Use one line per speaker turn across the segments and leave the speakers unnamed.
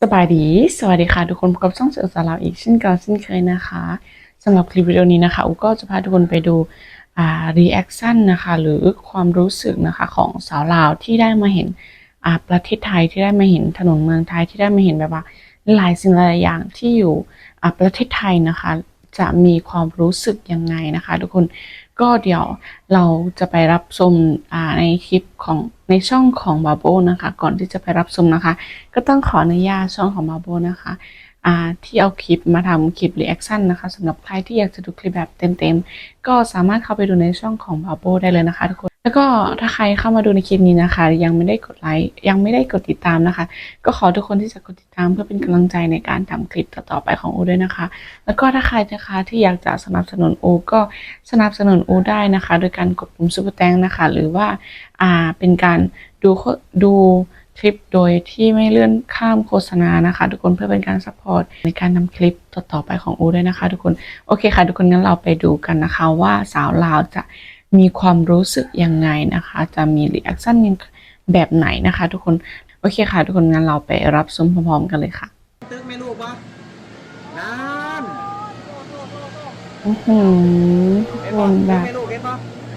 สบายดีสวัสดีค่ะทุกคนพบกับช่องเสือสาวเราอีกเช่นเก่าเช่นเคยนะคะสำหรับคลิปวิดีโอนี้นะคะอุก็จะพาทุกคนไปดูรีแอคชั่นนะคะหรือความรู้สึกนะคะของสาวลาวที่ได้มาเห็นประเทศไทยที่ได้มาเห็นถนนเมืองไทยที่ได้มาเห็นแบบว่าหลายสิ่งหลายอย่างที่อยู่ประเทศไทยนะคะจะมีความรู้สึกยังไงนะคะทุกคนก็เดี๋ยวเราจะไปรับชมในคลิปของในช่องของบาโบนะคะก่อนที่จะไปรับชมนะคะก็ต้องขออนุญาตช่องของบาโบนะคะที่เอาคลิปมาทำคลิปรีแอคชั่นนะคะสำหรับใครที่อยากจะดูคลิปแบบเต็มๆก็สามารถเข้าไปดูในช่องของบาโบได้เลยนะคะทุกคนแล้วก็ถ้าใครเข้ามาดูในคลิปนี้นะคะยังไม่ได้กดไลค์ยังไม่ได้กดติดตามนะคะก็ขอทุกคนที่จะกดติดตามเพื่อเป็นกำลังใจในการทำคลิปต่อๆไปของอูด้วยนะคะแล้วก็ถ้าใครนะคะที่อยากจะสนับสนุนอูก็สนับสนุนอูได้นะคะโดยการกดปุ่มซุปเปอร์แตงนะคะหรือว่าเป็นการดูคลิปโดยที่ไม่เลื่อนข้ามโฆษณานะคะทุกคนเพื่อเป็นการซัพพอร์ตในการนำคลิปต่อๆไปของอูด้วยนะคะทุกคนโอเคค่ะทุกคนงั้นเราไปดูกันนะคะว่าสาวลาวจะมีความรู้สึกยังไงนะคะจะมีรีแอคชั่นแบบไหนนะคะทุกคนโอเคค่ะทุกคนงั้นเราไปรับชมพร้อมๆกันเลยค่ะ
ตึกไม่รู้ปะนั่น
โอ้โหทุก
เห็น
ค
ปะ
นแบ
ตึก
บ
ไม่รู้เห็นปะ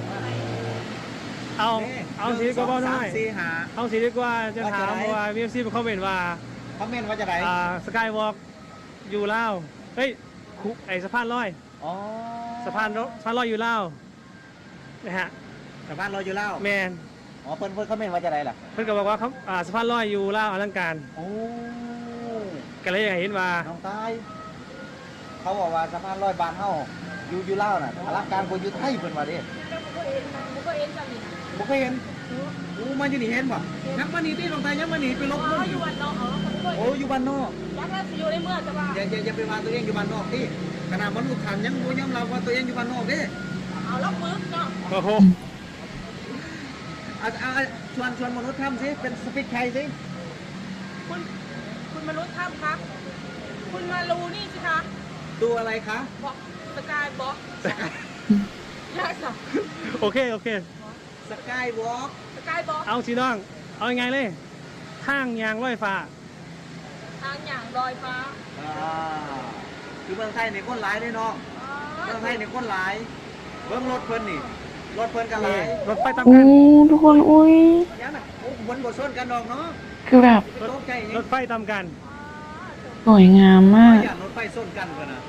เอาเอาสีก็บอกหน่อย
สี่หา
เอาสีดีกว่าจะถาม
ว่าจะไหน
เพราะว่ามีเอฟซีมาคอมเมนต์ว่า
คอมเมนต์ว่าจะไหน
สกายวอล์กอยู่ลาวเฮ้ยคุไอสะพานลอย
อ๋อ
สะพานลอยอยู่ลาวนะฮะ
สะพานลอยอยู่แล้ว
แมน
อ๋อเพิ่นคอมเมนต์ว่าจะไหนล่ะ
เพิ่นก็บอกว่าเขาสะพานลอยอยู่ลาวอลังการ
โอ้
ก็เลยอยากเห็นว่า
น้องตายเขาบอกว่าสะพานลอยบานเฮาอยู่ลาวน่ะอลังการกว่าอยู่ไทยเพิ่นว่าเด้บ่เคยเห็นโอ้มาอยู่นี่เห็นบ่ยังมานี่ติน้องตายยังมานี่ไปลบนู่นอยู่โอ้อยู่บ้านนอกอย่าไปว่าตัวเองอยู่บ้านนอกติขนาดมนุษย์ท่านยังบ่ยอมรับว่าตัวเองอยู่บ้านนอกเด้
โอ้โห
ชวนมนุษย์ทำสิเป็นสปิกไทยสิ
คุณมนุษย์ถ้ำคะคุณมารูนี่สิคะ
ดูอะไรคะ
บอกสกายบล็อกยากสับ
โอเคโอเค
สกายวอล์ก
สกายบล็อก
เอาสีน้องเอายังไงเลยทางยางลอยฟ้า
ทางอย่างลอยฟ้า
คือเมืองไทยในคนหลายด้วยน้องเมืองไทยในคนหลายเบิ้งรถเพิ่นนี่รถเพิ่นกันหลาย
รถไฟตาม
โอ้
กัน
ทุกคนอุ้ย
ยังน่ะโอ้บนบทส้นกันดอกเนาะ
คือแบบ
ตกใจยัง
รถไฟตามกัน
สวยงามมาก
อย่างรถไฟส้นกันกันนะ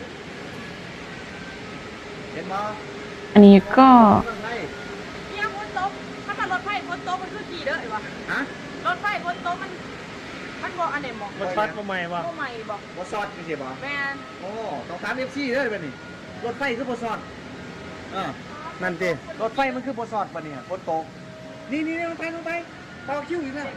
เห็นบ่
อันนี้ก็
เมืองไทย
เนี่ยพ้นโต๊ะถ้ามันรถไฟพ้นโต๊ะมันคือขี่เด้อไอ้วะ
ฮะ
รถไฟพ้นโต๊ะมันบอกอันไหนบอก
รถบัสมาใหม่ว่ะ
ก็ใหม่บอก
บ่ซอดจังซี่บ่
แมน
โอ้ต้องถาม FC เด้อบัดนี้รถไฟคือบ่ซอดา
นั่นติ
รถไฟมันคือบสอดปะเนี่ยบนโต๊ะนี่ลงไปต่อคิวอีกแล้ว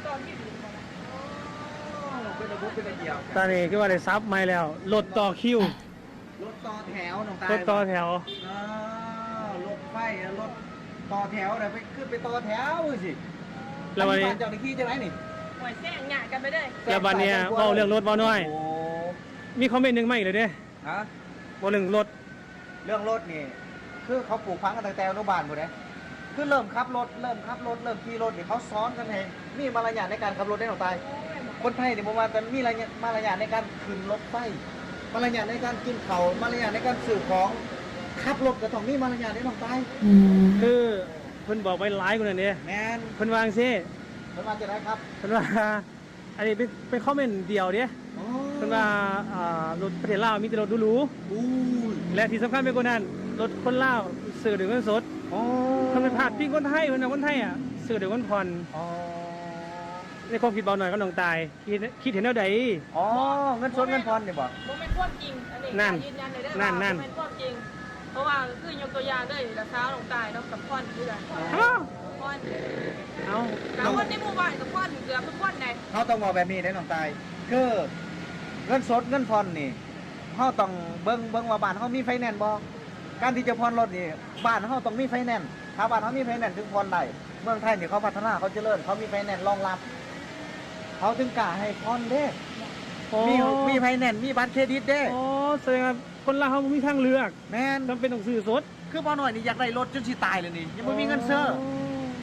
เป็นระบบเป็นระเบียบ
ตอนนี้คือว่าได้ซับใหม่แล้วรถต่อคิว
รถต่อแถวน้องตาย
รถต่อแถว
รถไฟรถต่อแถวเดี๋ยวไปขึ้นไปต่อแถวสิ
แล้ววันนี้
เจ้าหน้าที่จะไหนนี่
หวยแซงหยากันไปเลย
แล้ววันเนี้ยเว้าเรื่องรถเว้าน้อย
โอ้
มีคอมเมนต์หนึ่งมาอีกเลยเด้
ฮะ
บอกหนึ่งรถ
เรื่องรถนี่คือเขาปลูกพังกันตั้งแต่อนุบาลหมดเลยคือเริ่มขับรถเริ่มขี่รถนี่เขาซ้อนกันเองมีมารยาทในการขับรถได้หรอตาย คนไทยเนี่ยผมว่าแต่มีมารยาทในการขึ้นรถไฟมารยาทในการกินเขาวมารยาทในการสื่อของขับรถก็ต้องมีมารยาทในน้องตาย
อืม
คือเพิ่นบอกไว้หลายคนอันนี้
แมน
เพิ่นวาจังซิ
เพิ่นมาจะได้ครับ
เพิ่นว่าอันนี้เป็นคอมเมนต์เดียวเด้
อ๋อ
เพิ่นว่ารถประเทศลาวมีแต่รถหรู
อู้ย
ๆและที่สำคัญไปกว่านั้นรถคนลาวซื้อด้วยเงินสด
อ๋อ
ทำเป็นพลาดพิงคนไทยเพิ่นน่ะคนไทยอ่ะซื้อด้วยเงินผ่อน
อ๋อ
ในความคิดเบาหน่อยก็น้องตายคิดเห็นแนวใด
อ๋อเงินสดเงินผ่อนเนี่ยบ่
บ่เป็นความจริงอันนี้
นั่น
ยืนยันเลยได้
นั่
ว่าน
นั่น
บ่เป็นความจริง เพราะว่าคือยกตัวอย่างด้วยราคาลงตายเนาะกับพ่อนคือกัน
อ้าว
พ่อน
เอา
กับคนในหมู่บ้านกับพ่อนเกือบทุกคนไหน
เขาต้องบอกแบบนี้ได้น้องตายคือเงินสดเงินผ่อนนี่เขาต้องเบิ่งว่าบ้านเขามีไฟแนนซ์บ่การที่จะผ่อนรถนี่บ้านเขาต้องมีไฟแนนซ์ถ้าบ้านเขามีไฟแนนซ์ถึงผ่อนได้เมืองไทยนี่เขาพัฒนาเขาเจริญเขามีไฟแนนซ์รองรับ เขาถึงกล้าให้ผ่อนเด้
โอ้
มีไฟแนนซ์มีบัตรเครดิตเด้
โอ้แสดงว่าคนลาวเขาบ่มีทางเลือก
แม่น
จำเป็นต้องซื้อสด
คือบ่หน่อยนี่อยากได้รถจนสิตายเลยนี่ยังบ่มีเงินซื้อ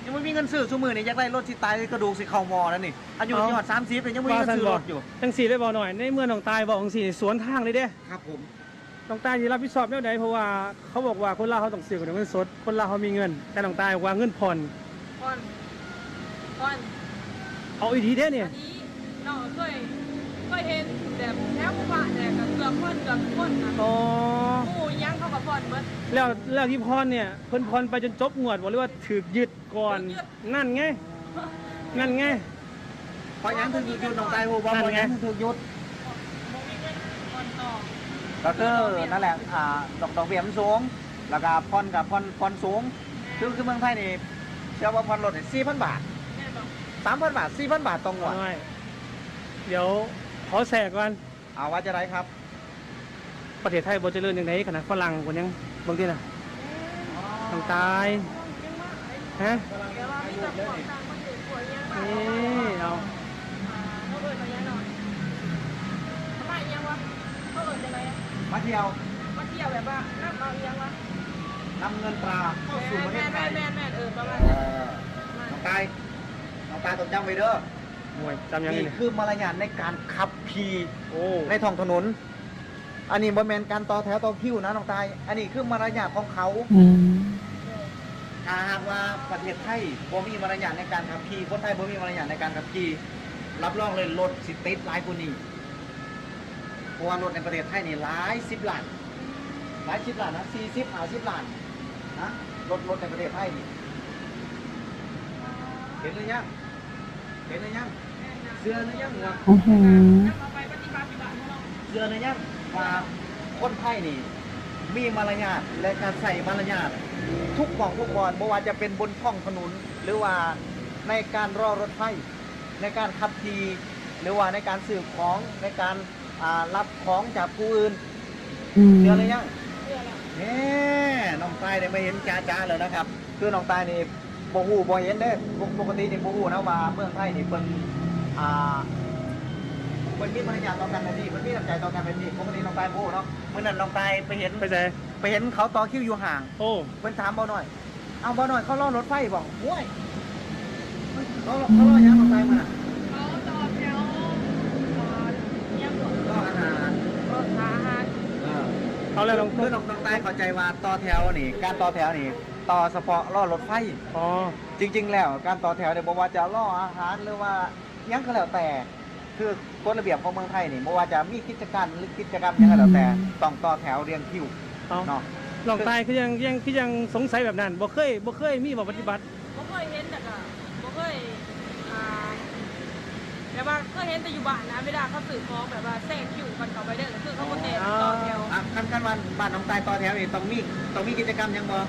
ยังไม่มีเงินซื้อชั่วมือนี่อยากได้รถสิตายกระดูกสิเข่าหมอแล้วนี่อายุที่หอด30เลยยังไม่มีเงินซื้อรถอยู่
จังสี่ได้บอกหน่อยในเมื่อน้องตายบอกจังสี่สวนทางเลยเด้
ครับผม
น้องตายที่รับผิดชอบแนวใดเพราะว่าเขาบอกว่าคนลาวเขาต้องซื้อกับเงินสดคนลาวเขามีเงินแต่น้องตายบอกว่าเงินผ่อน
ก่อนก่อน
เอาอีกทีเด้เนี่ย
อันนี้น้องเคยเห็นแบบแถวหมู่บ้านเนี่ยกับเกือบคนนะ
อ๋อ
หมู่ยังเขากับพ่อนเบิด
แล้วที่ผ่อนเนี่ยเพิ่นผ่อนไปจนจบงวดบอกเลยว่าถูกยึดก่อน
ถูกยึด
นั่นไงนั่นไง
พอยังถึงหยุดน้องตายโหบ่
นั่น
พอ
ไง
ยังถึงหยุด
บ่มีเงินก่อนต่อ
ก็คือนั่นแหละดอกเบี้ยมันสูงแล้วก็ผ่อนกับผ่อนสูงคือเมืองไทยนี่เชื่อว่าผ่อนรถนี่4,000 บาท
แม่บอก
3,000 บาท 4,000 บาทต่องวด
น้อยเดี๋ยวขอแสกก่อน
เอาว่าจะไรครับ
ประเทศไทยบ่เจริญอย่างไรขนาดฝรั่งคนยังบางทีน่ะต้องตายฮะ
แต่ว่ามีแต่พวกต่างประเทศพวกยังมาก
นี่เอา
เขาเอิญมายังหน่อยทำไมยังวะเขาเอิญจะไร
มาเที่ยว
มาเที่ยวแบบว่านั่งเอายังวะ
นำเงินตราเข้าสู่ประเทศไทย
แม่ประมาณ
เอ
นั้น
อน้องตายต้องจำไว้เด้อ
หน่วยจำยังไง
นี่
เนี่ย
คือมารยาทในการขับขี่
โอ้
ในท้องถนน อันนี้บ่แม่นการต่อแถวต่อคิวนะน้องตาย อันนี้คือมารยาทของเขา
อืม
ถ้าหากว่าประเทศไทยบ่มีมารยาทในการขับขี่คนไทยบ่มีมารยาทในการขับขี่รับรองเลยรถสิติดหลายกว่านี้เพราะว่ารถในประเทศไทยนี่หลาย10 ล้านหลาย10 ล้านนะ40 50 ล้านนะรถในประเทศไทยนี่เห็นหรือยังเห็นหรือยังเสื้อหรือยังวะ
อื้อหือ
เอาไปปฏิบัติอยู่บ้านของเรา
เสื้อหรือยังว่าคนไทยนี่มีมารยาทและการใส่มารยาททุกของทุกบอนไม่ว่าจะเป็นบนท้องถนนหรือว่าในการรอรถไฟในการขับขี่หรือว่าในการซื้อของในการรับของจากผู้อื่น
อืม
เสื้อหรือยัง
เพื่ออะไร
น้องตายได้มาเห็นจ้าเลยนะครับ คือน้องตายนี่บ่ฮู้บ่เห็นเด้ปกตินี่บ่ฮู้นะว่าเมืองไทยนี่เพิ่นมันมีมารยาทต่อกันแบบนี้มันมีน้ำใจต่อกันแบบนี้ปกติน้องตายบ่ฮู้เนาะเมื่อนั้นน้องตายไปเห็น
ไปไหน
ไปเห็นเขาต่อคิวอยู่ห่าง
โอ้
เพิ่นถามบ่หน่อยเอาบ่หน่อยเขารอรถไฟบ่โอ้ยเขารอยังน้องตายมาน่ะ
เขาต่อแถวยังหลง
รออาหาร
รถอาหาร
เอาแล้วลอง
คือน้องตายเข้าใจว่าต่อแถวนี่การต่อแถวนี่ต่อเฉพาะรอรถไฟ
อ๋อ
จริงๆ แล้วการต่อแถวเนี่ยบอกว่าจะล่ออาหารหรือว่าหยังก็แล้วแต่ คือกฎระเบียบของเมืองไทยนี่บอกว่าจะมีกิจการหรือกิจกรรมหยังก็แล้วแต่ต้องต่อแถวเรียงคิว
เอา
เนาะ
ลองตายคือยังสงสัยแบบนั้นบ่เคยมีบ่ปฏิบัติ
บ่เคยเห็นแต่ก็บ่เคยแบบว่าเคยเห็นแต่อยู่บ้านนะเวลาเขาสื่อของแบบว่าแทรกคิวกันเข้าไปเด้อก็คือเขาบ่เตะต่อแถว
ขั้นวันบ้านน้องตายต่อแถวนี่ต้องมีกิจกรรมหยังบ่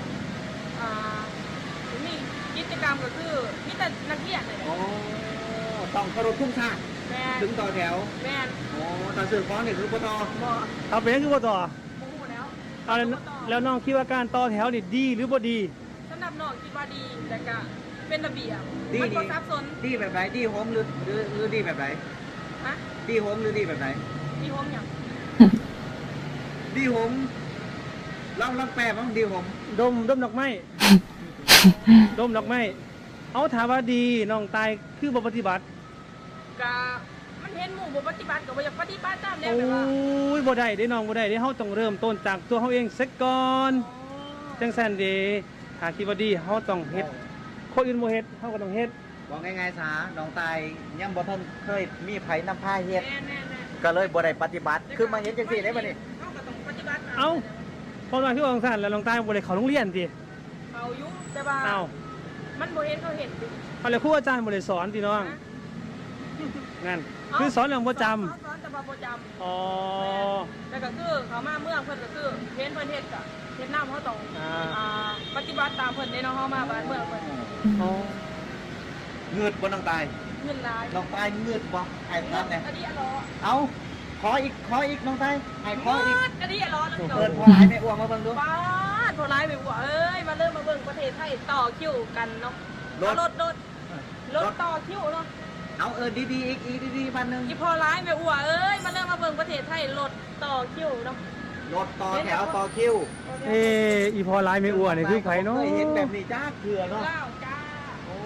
มีกิจกรรมก็คือมีแต่นักเรียนเลย
โอ้ต้องเคารพทุ่งชาติ
แม่น
ถึงต่อแถว
แม่น
โอ้ต่อสื่อของนี่คือบ่ต่อ
บ่
เอาไปยังคือบ่ต่อ
บ่ฮู้แล้ว
เอาแล้วน้องคิดว่าการต่อแถวนี่ดีหรือบ่ดี
สำหรับน้องคิดว่าดีแต่ก็เป็นระเบียบ
ดี
มันบ่
ดี
ซับซ้อน
ดีแบบไหนดีโฮมหรือดีแบบไหน
ฮะ
ดีโฮมหรือดีแบบไหน
มีโฮมหยัง
ดีโฮมลองแปลบ้างดีโฮม
ดมดอกไม้ ดมดอกไม้เอาถามว่าดีน้องตายคือบ่ปฏิบัติ
ก็มันเห็นหมู่บ่ปฏิบัติก็บ่อยากปฏิบัติตามแนว
โอ้
แบบว่า
ยบ่ได้เด้น้องบ่ได้เด้เฮาต้องเริ่มต้นจากตัวเฮาเองเสร็จก่อนจังซั่นเด้ถ้าคิดว่าดีเฮาต้องเฮ็ดคนอื่นบ่เฮ็ดเฮาก็ต้องเฮ็ด
บอกง่ายๆซะน้องตายยังบ่ทันเคยมีไผนำพาเฮ็ด
แม่น
ก็เลยบ่ได้ปฏิบัติคือมาเฮ็ดจังซี่ได้บ่นี่
เฮาก็ต้องปฏิบัติตม
เอ้าเพราะว่าคือว่าจังซั่นแล้วน้องตายบ่ได้เข้าโรงเรียนติ
เขาอยู่แต่ว่า
เอ้า
มันบ่เห็นเขาเห็นดิ
เอาแล้วครูอาจารย์บ่ได้สอนติน้อง
นะ
นั่นคือสอนอย่างบ่จำ
สอนแต่ว่าบ่จำ
อ๋อ
แต่ก็คือเขามาเมืองเพิ่นก็คือเห็นเพิ่นเฮ็ดก็เฮ็ดนำเขาต้อง
อ่า
ปฏิบัติตามเพิ่นได้เนาะเฮามาบ้านเมืองเพิ่น
อ๋อ
เงือดบ่น้องตาย
เงินหลาย
น้องตายเงือดบ่ให้ทำเนี่ย
อันนี้อะล้อ
เอาขออีกน้องตายให้ขออีก
อันนี้อะล้อแล้วพี่น้อง
เปิดพอหลายแม่อ้วงมาเบิ่งดู
ป้าดโทรไลน์ไปบ่เอ้ยมาเริ่มมาเบิ่งประเทศไทยต่อคิวกันเนาะรถต่อคิวเนาะ
เอาดีๆอีกดีๆพันหนึง
อีพอไลน์ไปอัวเอ้ยมาเริ่มมาเบิ่งประเทศไทยรถต่อคิวเนาะ
รถต่อแถวต่อคิว
เอ้อีพอหลายไม่อ้วนนี่คือไผเนาะ
เคยเห็นแบบนี้จ้าเถื่อเนาะ
เล่าจ้า
โอ้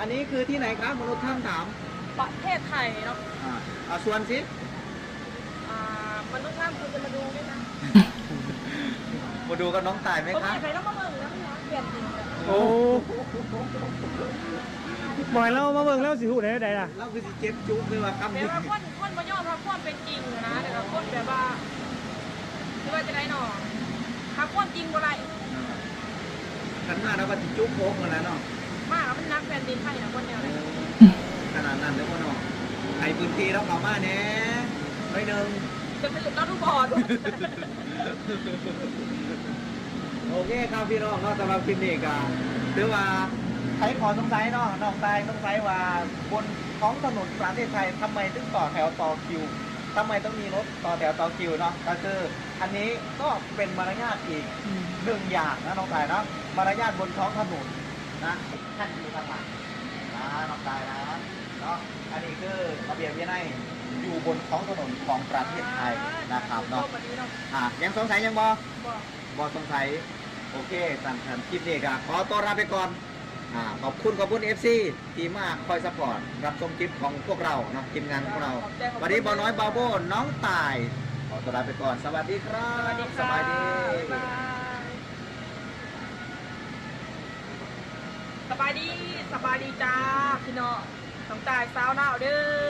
อันนี้คือที่ไหนครับมนุษย์ท่ามถาม
ประเทศไทยเนาะ
เอาส่วนสิ
มนุษย์ท่ามคุณจะมาดูด้วยนะ
มาดูกับน้องตายไหม
ผม
ครับ
ไม่ไปต้องมาเบิ่งนะพี่นะเปลี่ยนจริงเลย
โอ้บ่อยแล้วมาเบิ่งแล้วสิหูได้ล่ะ
เราคือสิเจ็บจุ๊บเลยว่าคำ
แต่
นี้
ว่าคนมาย่อมรับความเป็นจริงนะแต่ว่าคนแบบว่าคือว่าจะได้หนอรับความจริงบ่ไร
ขันมาแล้วก็สิจุ๊บโค้งหมดแล้วเนาะ
มากแล้วมันนักแผ่นดินไทยนะคนแนวเลย
ขนาดนั้นเลยพ่อเนาะไอ้พื้นที่เราเข้ามาแน่ไม่หนึ่ง
จะเป็นเราทุกบอด
โอเคครับพี่น้องเนาะสำหรับคลิปนี้ก็ถือว่าใครขอสงสัยเนาะน้องตายสงสัยว่าบนท้องถนนประเทศไทยทำไมถึงต่อแถวต่อคิวทำไมต้องมีรถต่อแถวต่อคิวเนาะก็คืออันนี้ก็เป็นมารยาทอีกหนึ่งอย่างนะน้องตายเนาะมารยาทบนท้องถนนนะท่านอยู่ทางหลังนะน้องตายนะเนาะอันนี้คือระเบียบวินัยอยู่บนท้องถนนของประเทศไทยนะครับเนาะยังสงสัยยังบอสงสัยโอเคสั่นคลิปนี้ก็ขอตัวลาไปก่อนขอบคุณ FC ที่มาคอยซัพพอร์ตรับชมคลิปของพวกเราเนาะทีมงานของเราวันนี้บอน้อยบาโบน้องตายขอตัวลาไปก่อนสวัสดีครับ
สวัสดี
สบายดี
สบายดีสบายดีจ้าพี่น้องต้องตายสาวหนาวเด้อ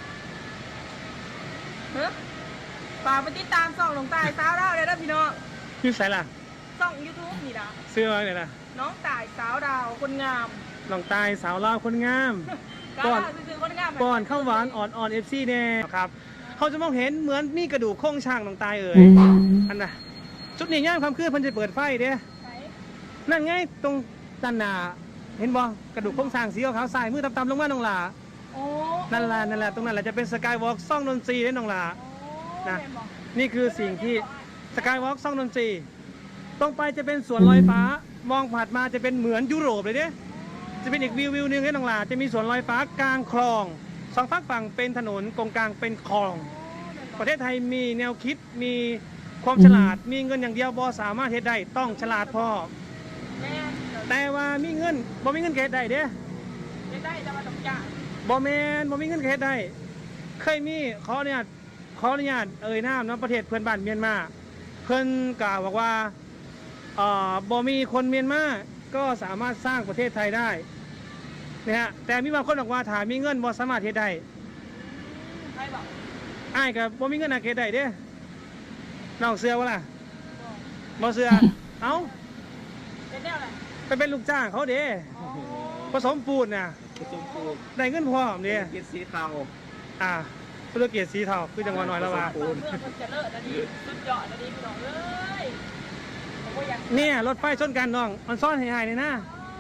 เฮ้ยฝากไปติดตามส่องหลงตายสาวหนาวเด้อพี่น้อง
อยู่ไสล่ะ
ส่อง YouTube นี่นะ
ซื้อมาเนี่ยล่ะ
น้องตายสาวดาวคนงาม
น้องตายสาวลาวคนงาม
กาซื้อคนงาม
ป้อนข้าวหวานอ่อนๆ FC แน่ครับเขาจะมองเห็นเหมือนมีกระดูกโครงช่างน้องตายเอ่ย
อืม
อันน่ะจุดนี้ย่ามคำคืนเพิ่นจะเปิดไฟเด้
ไหน
นั่นไงตรงด้านหน้าเห็นบ่กระดูกโครงสร้างสีขาวๆสายมือต่ำๆลงมาน้องหล่า
โอ้
นั่นล่ะตรงนั้นแหละจะเป็นสกายวอล์กซ่องดนตรีเด้น้องหล่า นะ
แม่บอก
นี่คือสิ่งที่สกายวอล์กซ่องดนตรีตรงไปจะเป็นสวนลอยฟ้ามองผ่านมาจะเป็นเหมือนยุโรปเลยเด้จะเป็นอีกวิวหนึงให้น้องหล่าจะมีสวนลอยฟ้ากลางคลองสองฝั่งเป็นถนนตรงกลางเป็นคลอง ประเทศไทยมีแนวคิดมีความฉลาดมีเงินอย่างเดียวบ่สามารถเฮ็ดได้ต้องฉลาดพอ
แม่
แต่ว่ามีเงินบ่มีเงินก็เฮ็ดได้เด้
จะได้จะมาตกจ่า
บ่แม่นบ่มีเงินก็เฮ็ดได้ เคยมีขออนุญาตเอ่ยนามเนาะประเทศเพื่อนบ้านเมียนมาเพิ่นกล่าวบอกว่าบ่มีคนเมียนมาก็สามารถสร้างประเทศไทยได้นะฮะแต่มีบางคนบอกว่าถ้ามีเงินบ่สามารถเฮ็ดได้
ใครบอก
อ้ายก็บ่มีเงินน่ะเฮ็ดได้เด้น้องเชื่อบ่ล่ะบ่เชื่อ เอ้า
เป็นแนวอะไร
ไปเป็นลูกจ้างเขาเด้
อ๋อ
ผสมปูนน่ะ
ผสมปูน
ได้เงินพร้อมเด้
กินสีเทา
ธุรกิจสีเทาคือจังหวัดน้อยแล้วว่า
เพื่อนคนจะเลิศนะดีสุดยอดนะดีพี่น้องเอ้ยผมก็อยาก
เนี่ยรถไฟชนกันน้องมันซ่อนหายๆเลยนะ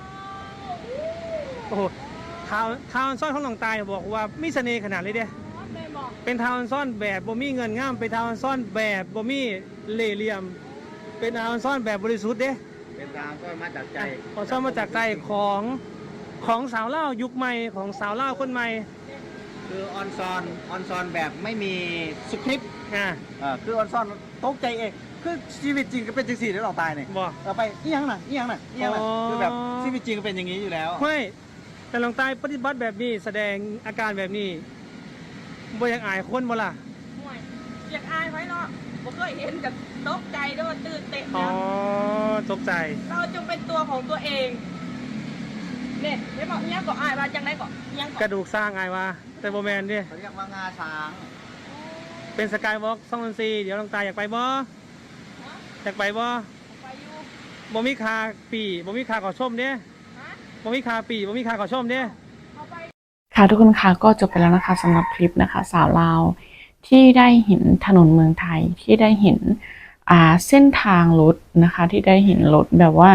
โอ้โหทาวน์ซ่อนของหลวงตายบอกว่ามีเสน่ห์ขนาดเลยเด้
แม่บอก
เป็นทาวน์ซ่อนแบบบ่มีเงินง่ามเป็นทาวน์ซ่อนแบบบ่มีเล่ห์เหลี่ยม เป็นทาวน์ซ่อนแบบบริสุทธิ์เด้
เป็นทางก็มาจากใจ
ของซ่อนมาจากใจของสาวเล่าวยุคใหม่ของสาวเล่าวคนใหม่
คือออนซอนแบบไม่มีสคริปต์
อ่ะ
คือออนซอนตกใจเองคือชีวิตจริงก็เป็นจังสี่ที่เราตายเนี่ย
บอก
เราไปนี่ยังน่ะคือแบบชีวิตจริงก็เป็นอย่างนี้อยู่แล้ว
ไม่แต่หลวงตายปฏิบัติแบบนี้แสดงอาการแบบนี้บ่อยากอายคนบ่ล่ะ
ห่วยอยากอายไว้เนาะผมเคยเห็นกับตกใจด้วยตื่นเต้น
อ๋อ
นะ
ตกใจ
เราจงเป็นตัวของตัวเองเนี่ยไม่บอกยังก็อายว่าจังไรก็ยัง
กระดูกสร้างอายว่าแต่โบแมนดิ
เขาเรียกว่างาช้าง
เป็นสกายวอล์กซ่องดนตรีเดี๋ยวหลวงตาอยากไปบ่อยากไปบ่
ไปอยู่
บ่มีคาปีบ่มีคาขอชมเด้
ฮะ
บ่มีคาปีบ่มีคาขอชมเด้
เอาไป
ค่ะทุกคนคะก็จบไปแล้วนะคะสำหรับคลิปนะคะ สาวลาวที่ได้เห็นถนนเมืองไทยที่ได้เห็นเส้นทางรถนะคะ ที่ได้เห็นรถแบบว่า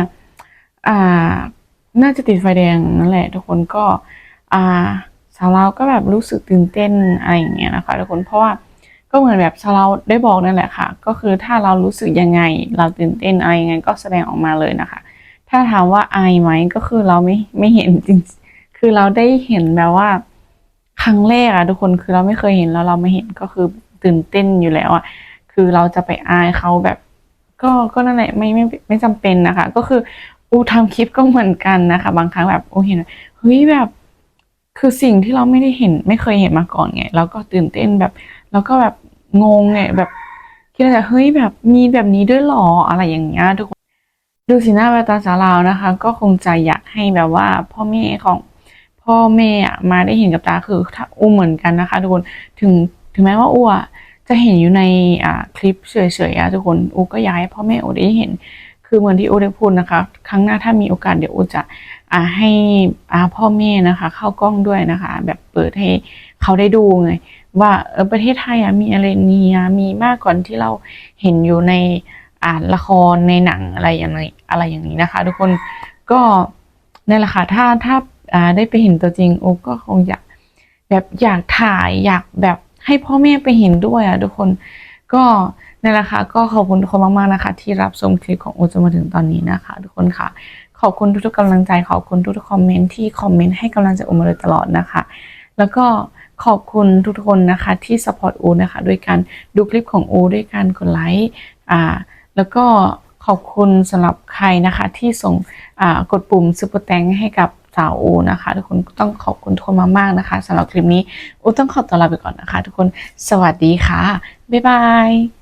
น่าจะติดไฟแดงนั่นแหละทุกคนก็สาวลาวก็แบบรู้สึกตื่นเต้นอะไรอย่างเงี้ยนะคะทุกคนเพราะว่าก็เหมือนแบบสาวลาวได้บอกนั่นแหละค่ะก็คือถ้าเรารู้สึกยังไงเราตื่นเต้นอะไรยังไงก็แสดงออกมาเลยนะคะ ถ้าถามว่าอายไหมก็คือเราไม่เห็นจริงคือเราได้เห็นแบบว่าครั้งแรกอะทุกคนคือเราไม่เคยเห็นแล้วเราไม่เห็นก็คือตื่นเต้นอยู่แล้วอะคือเราจะไปอายเขาแบบก็นั่นแหละไม่จำเป็นนะคะก็คือทำคลิปก็เหมือนกันนะคะบางครั้งแบบเห็นเฮ้ยแบบคือสิ่งที่เราไม่ได้เห็นไม่เคยเห็นมาก่อนไงแล้วก็ตื่นเต้นแบบแล้วก็แบบงงไงแบบคิดว่าเฮ้ยแบบมีแบบนี้ด้วยหรออะไรอย่างเงี้ยทุกคนดูสีหน้าแววตาสาวลาวนะคะก็คงจะอยากให้แบบว่าพ่อแม่มาได้เห็นกับตาคือถ้าอู้เหมือนกันนะคะทุกคนถึงแม้ว่าอู้จะเห็นอยู่ในคลิปเฉยๆทุกคนอู้ก็อยากให้พ่อแม่อู้ได้เห็นคือเหมือนที่อู้ได้พูดนะคะครั้งหน้าถ้ามีโอกาสเดี๋ยวอู้จะให้พ่อแม่นะคะเข้ากล้องด้วยนะคะแบบเปิดให้เขาได้ดูไงว่าประเทศไทยมีอะไรมีมากกว่าที่เราเห็นอยู่ในละครในหนังอะไรอย่างนี้นะคะทุกคนก็นั่นแหละค่ะถ้าได้ไปเห็นตัวจริงโอ้ก็คงอยากถ่ายอยากแบบให้พ่อแม่ไปเห็นด้วยทุกคนก็นั่นแหละค่ะก็ขอบคุณทุกคนมากๆนะคะที่รับชมคลิปของโอจนมาถึงตอนนี้นะคะทุกคนค่ะขอบคุณทุกๆกำลังใจขอบคุณทุกๆคอมเมนต์ที่คอมเมนต์ให้กำลังใจโอมาโดยตลอดนะคะแล้วก็ขอบคุณทุกคนนะคะที่สปอร์ตโอนะคะด้วยการดูคลิปของโอด้วยการกดไลค์แล้วก็ขอบคุณสำหรับใครนะคะที่ส่งกดปุ่มซุปเปอร์แตงให้กับสาวโอนะคะทุกคนต้องขอบคุณทุกคนมากๆนะคะสำหรับคลิปนี้โอต้องขอตัวลาไปก่อนนะคะทุกคนสวัสดีค่ะบ๊ายบาย